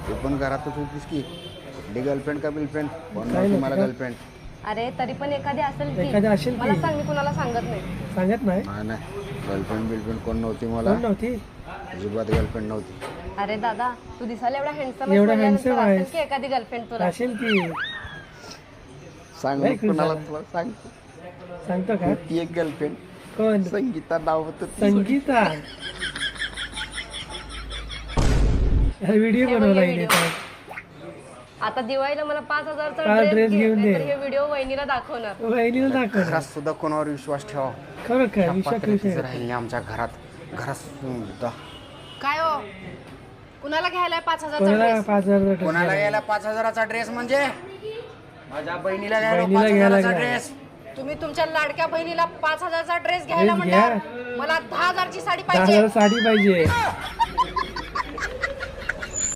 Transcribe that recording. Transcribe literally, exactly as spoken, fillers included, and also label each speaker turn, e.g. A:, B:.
A: तू पण घरातच होतीस की डी गर्लफ्रेंड का बिलफ्रेंड कोण नव्हती मला गर्लफ्रेंड.
B: अरे तरी पण एखादी असेल की
C: एखादी असेल की.
B: मला सांग, मी कुणाला सांगत नाही.
C: सांगत नाही.
A: नाही नाही गर्लफ्रेंड बिलफ्रेंड कोण नव्हती मला.
C: कोण नव्हती.
A: अजिबात गर्लफ्रेंड नव्हती.
B: अरे दादा तू दिसायला एवढा हँडसम
C: एवढा handsome आहेस.
B: की एखादी गर्लफ्रेंड तुला.
C: असेल की.
A: सांग
C: नाही
A: मग कुणाला
C: खुश
A: तुला सांग.
C: सांगतो का.
A: ती एक गर्लफ्रेंड
C: कोण.
A: संगीता नाव होतं तिचं.
C: संगीता. व्हिडिओ
B: हे बघ,
C: बनवला
B: हे
C: हिने
B: video.
C: तर.
B: आता दिवाळीला मला पाच हजारचा
C: हा,
B: ड्रेस
C: dress घेऊन दे.
B: तर हे व्हिडिओ वहिनीला दाखवणार.
C: वहिनीला दाखव.
A: घरात सुद्धा कोणावर विश्वास ठेवा.
C: खरं काय
A: ह्या
C: विश्वास
A: पात्र्यात
C: विषय.
A: राहिली नाही आमच्या घरात. घरात सुद्धा
B: काय हो कुणाला घ्यायला पाच हजारचा
C: कोणाला
B: ड्रेस?
C: पाच हजार
A: कोणाला घ्यायला पाच हजाराचा ड्रेस म्हणजे माझ्या बहिणीला घ्यायला
C: बहिणीला
A: पाच
C: घ्यायला
A: हजाराचा
C: घ्यायला.
A: ड्रेस.
B: तुम्ही तुमच्या लाडक्या बहिणीला पाच हजारचा ड्रेस घ्यायला
C: ड्रेस घ्या.
B: म्हणल्यावर मला दहा हजारची साडी
C: दहा
B: पाहिजे.
C: हजार साडी पाहिजे.